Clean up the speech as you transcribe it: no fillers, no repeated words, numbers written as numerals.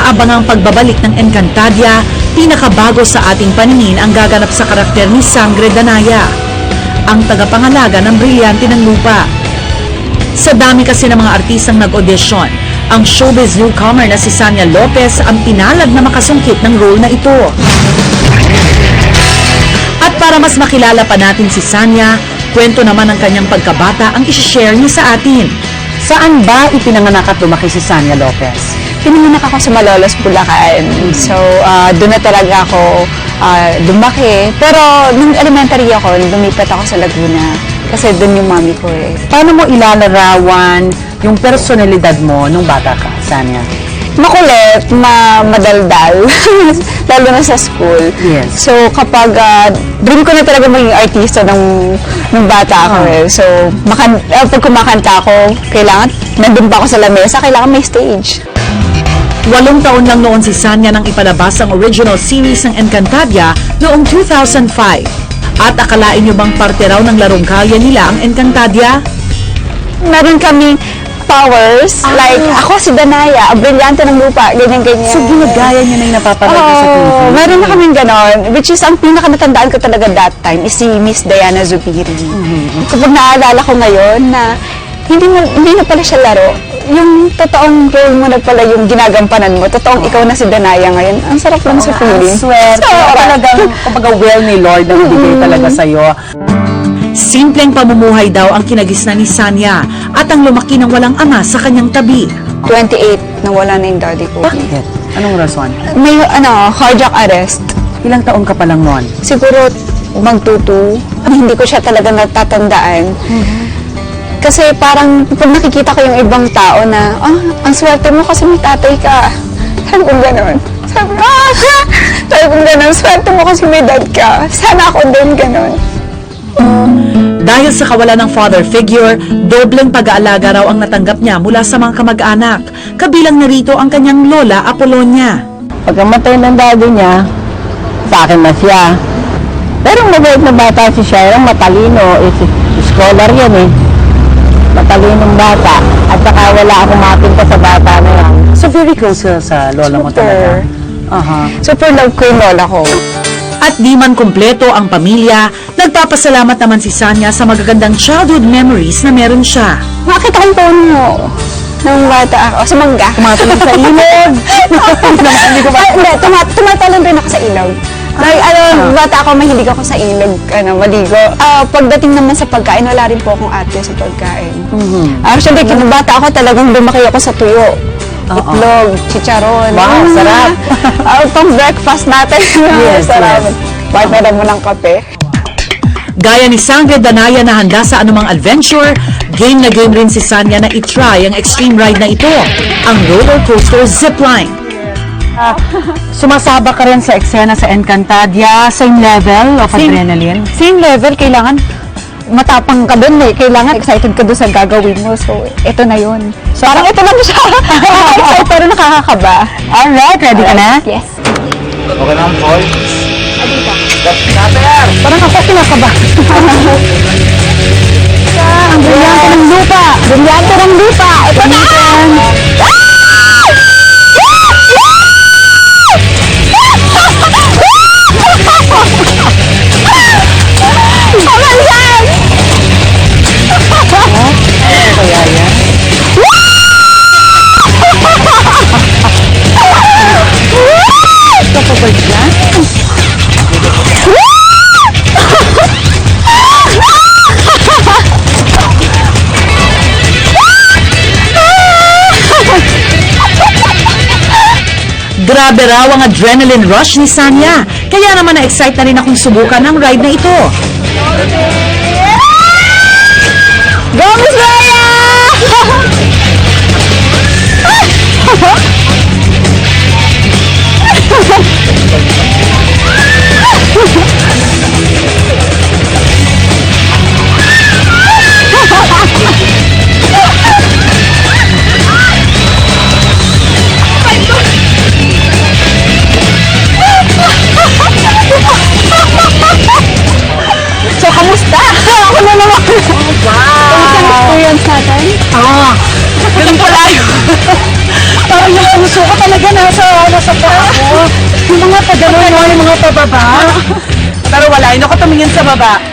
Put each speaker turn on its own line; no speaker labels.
inaabangang pagbabalik ng Encantadia, pinakabago sa ating paningin ang gaganap sa karakter ni Sangre Danaya, ang tagapangalaga ng Brilyante ng Lupa. Sa dami kasi ng mga artistang nag-audition, ang showbiz newcomer na si Sania Lopez ang pinalad na makasungkit ng role na ito. At para mas makilala pa natin si Sania, kwento naman ng kanyang pagkabata ang isi-share niya sa atin.
Saan ba ipinanganak at lumaki si Sania Lopez?
Pinanganak ako sa Malolos, Bulacan. So, doon na talaga ako lumaki. Pero nung elementary ako, lumipat ako sa Laguna. Kasi doon yung mami ko eh.
Paano mo ilalarawan yung personalidad mo nung bata ka, Sania?
Makulit, madaldal, lalo na sa school.
Yes.
So, kapag dream ko na talaga maging artista nung bata ako eh. So, pag kumakanta ako, kailangan, nandun pa ako sa lamesa, kailangan may stage.
8 taon lang noon si Sania nang ipalabas ang original series ng Encantadia noong 2005. At akalain nyo bang parte raw ng larong kalye nila ang Encantadia?
Meron kaming powers, like ako si Danaya, ang Brilyante ng Lupa, ganyan-ganyan.
So, ginagaya niya na yung napapanood ko sa TV?
Meron na kaming ganon, which is ang pinaka-natandaan ko talaga that time is si Miss Diana Zubiri. Kapag naalala ko ngayon na hindi na pala siya laro, yung totoong role mo na pala yung ginagampanan mo, totoong ikaw na si Danaya ngayon, ang sarap lang sa feeling.
Swerte. Talagang, kumbaga, will ni Lord na ibigay talaga sa'yo.
Simpleng pamumuhay daw ang kinagisnan ni Sania at ang lumaki ng walang ama sa kanyang tabi.
28, nawala na yung daddy ko.
Bakit? Anong rason?
May cardiac arrest.
Ilang taon ka pa lang noon?
Siguro magtutu. Hindi ko siya talaga natatandaan. Kasi parang pag nakikita ko yung ibang tao na, ang swerte mo kasi may tatay ka. Sabi kong gano'n. Sabi kong gano'n, swerte mo kasi may dad ka. Sana ako din gano'n.
Dahil sa kawalan ng father figure, dobleng pag-aalaga raw ang natanggap niya mula sa mga kamag-anak. Kabilang narito ang kanyang lola Apolonia.
Pagkamatay ng daddy niya, sa akin na siya. Pero mabait na bata si Sharon, matalino, scholar yan eh. Matalinong bata. At saka wala akong mapinta sa bata na yan. So very close sa lola mo talaga?
Super love ko yung lola ko.
At di man kumpleto ang pamilya, nagpapasalamat naman si Sania sa magagandang childhood memories na meron siya.
Makita ko yung tono nung bata ako. Sa mangga.
Tumatalon sa ilog.
Tumatalon rin ako sa ilog. Bata ako, mahilig ako sa ilog, maligo. Pagdating naman sa pagkain, wala rin po akong ate sa pagkain. Actually, kinabata ako, talagang lumaki ako sa tuyo. Itlog, chicharon.
Wow, sarap.
Pang breakfast natin.
Yes,
sarap.
yes.
Partner mo ng kape.
Gaya ni Sangre Danaya na handa sa anumang adventure, game na game rin si Sania na itry ang extreme ride na ito, ang roller coaster zipline.
Sumasaba ka rin sa eksena sa Encantadia, same level of adrenaline?
Same level, kailangan matapang ka dun eh. Kailangan excited ka dun sa gagawin mo. So, ito na yun. So, parang ito lang siya. Excited pero nakakakaba.
Alright, ready ka na?
Yes.
Okay na ang boy.
Parang ako kinakaba.
Ang brilyante ng lupa. Brilyante ng lupa. Ito na!
Grabe raw ang adrenaline rush ni Sania, kaya naman na-excite na rin akong subukan ang ride na ito.
Go, Miss Raya! So, kamusta? Ako na naman. Kamusta ang experience natin?
Ganun pala yun.
Parang yung puso ko talaga nasa
sa paa ko. Yung mga padalo mo, yung mga pababa. Pero wala, yun ako tumingin sa baba.